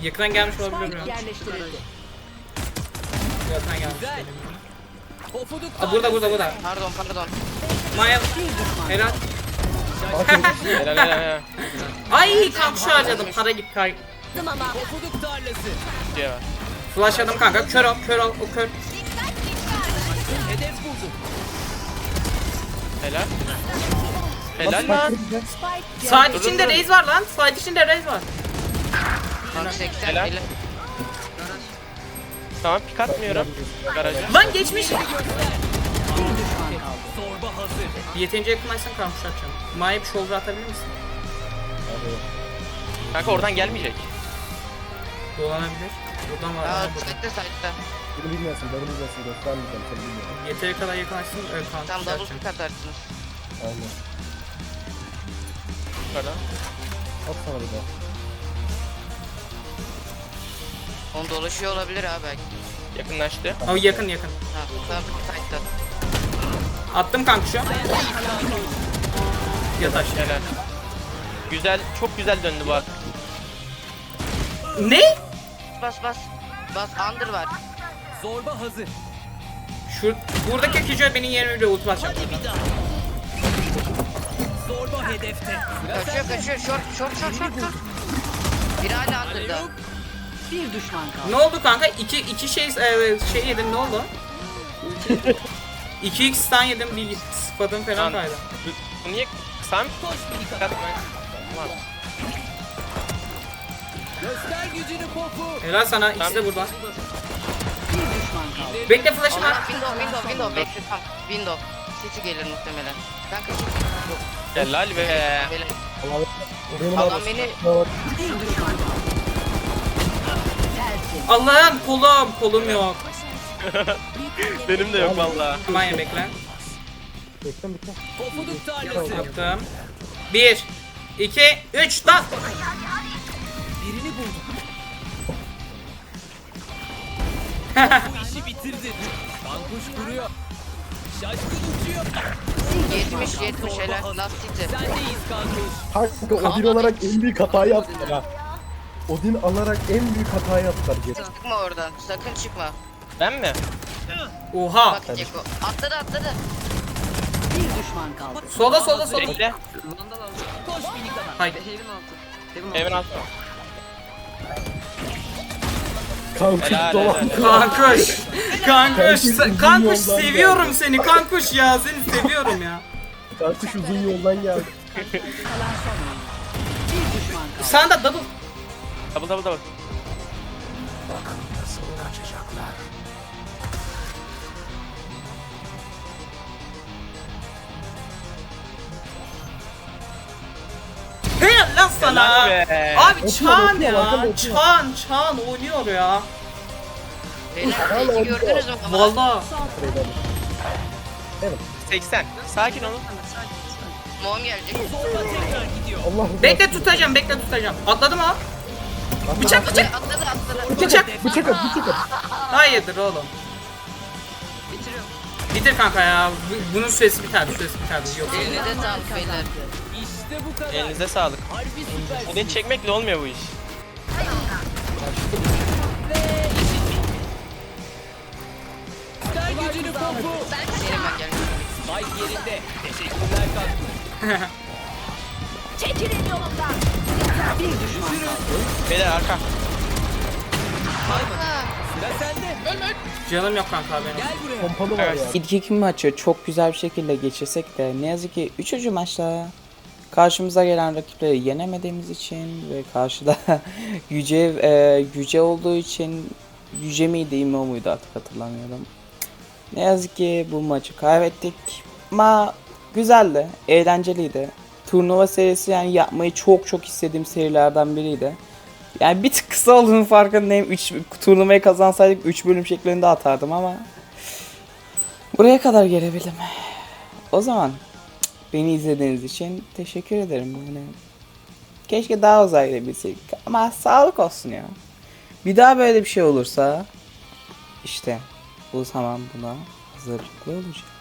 Yakından gelmiş olabilir mi? Yerleştirildi. Yakından gelmiş. Aa, burada. Pardon. Maya. Helal. Helal. Ay kanka şu harcadım. Para gitti kay. Flashladım kanka. Kör ol. O kör. Helal. Helal lan. Side içinde raise var lan. Side içinde raise var. Bak 80 Helal. eli. Tamam pik atmıyorum. Garaja. Lan geçmiş. Bir düşman kaldı. Yeterince yakınlaşsan kanka şu atacağım. Maya bir shoulder atabilir misin? Kanka oradan gelmeyecek. Dolanabilir. Buradan var. Aa, Buradan. site'de. Bunu bilmiyorsun, göstermeyeceğim, seni bilmiyorum. Yeteri kadar yakınlaşsın. Evet kanka. Tam şu double atacağım. pick atarsınız. Aynen. Yukarıdan. At sana bir daha. Onu dolaşıyor olabilir abi belki. Yakınlaştı. Ama yakın. Ha, tam site'de. Attım kanka şu an. Yat aşağı. Helal. Güzel, çok güzel döndü bu at. Ne? Bas. Under var. Şu buradaki Kijo benim yerime ulti basacak. Kaçıyor. Short. Biri hala under'da. Bir düşman kaldı. Ne oldu kanka? İki şey yedim ne oldu? 2x stun yedim bir sıfatım falan Lan. kaydı. Bu niye kısa mı? Dikkat etme. Tamam. Helal sana ikisi de buradan. Bir düşman kaldı. Bekle flash'ım var. Window. Bekle tam. Window. Sesi gelir muhtemelen. Ben kaçayım. Helal be. Böyle. Benim Adam beni Bir düşman kaldı. Tersin. Allah'ım kolum yok. Benim de yok valla. Maya bekle. Bekle. Yaptım. 1 2 3 lan. Birini buldu. 70 helal. Last city. Kanka Odin olarak en büyük hatayı yaptılar ha. Odin alarak en büyük hatayı yaptılar. Çıkma oradan. Sakın çıkma. Ben mi? Oha. Bak Ceko. Atladı. Bir düşman kaldı. Sola. Bekle. Haydi. Evin altı. Kanka Helal, dolan. helal. Kankuş seviyorum seni kankuş ya seni seviyorum ya. Kankuş uzun yoldan geldi. Kalan son oyun. Bir düşman kaldı. Sen de double. Double. Helal lan sana. Helal be. Abi Çağan Okuyor, ya. okuyor. Çağan oynuyor ya. Beyler belki gördünüz mü? Valla. 80. Sakin olun. Mom gelecek. Allah Bekle tutacağım. Atladım ha. Bıçak. Atladı. Bıçak at. Hayırdır oğlum. Bitiriyorum. Bitir kanka ya. Bunun süresi biterdi. Yok. Elinize sağlık beyler. Elinize sağlık. Odin çekmekle olmuyor bu iş. Benim ben geldim. Çekilin yolumdan. Bir düşman kaldı. Beyler arka. Canım yok kanka benim. Pompalı var ya. İlk iki maçı çok güzel bir şekilde geçirsek de ne yazık ki 3. maçta karşımıza gelen rakipleri yenemediğimiz için ve karşıda Yüce olduğu için Yüce miydi İmo muydu artık hatırlamıyorum. Ne yazık ki bu maçı kaybettik ama güzeldi, eğlenceliydi. Turnuva serisi yani yapmayı çok istediğim serilerden biriydi. Yani bir tık kısa olduğunun farkındayım. Turnuvayı kazansaydık 3 bölüm şeklinde atardım ama buraya kadar gelebildim. O zaman beni izlediğiniz için teşekkür ederim. Yani keşke daha uzayabilseydik ama sağlık olsun ya. Bir daha böyle bir şey olursa işte o zaman buna hazırlıklı olacağım.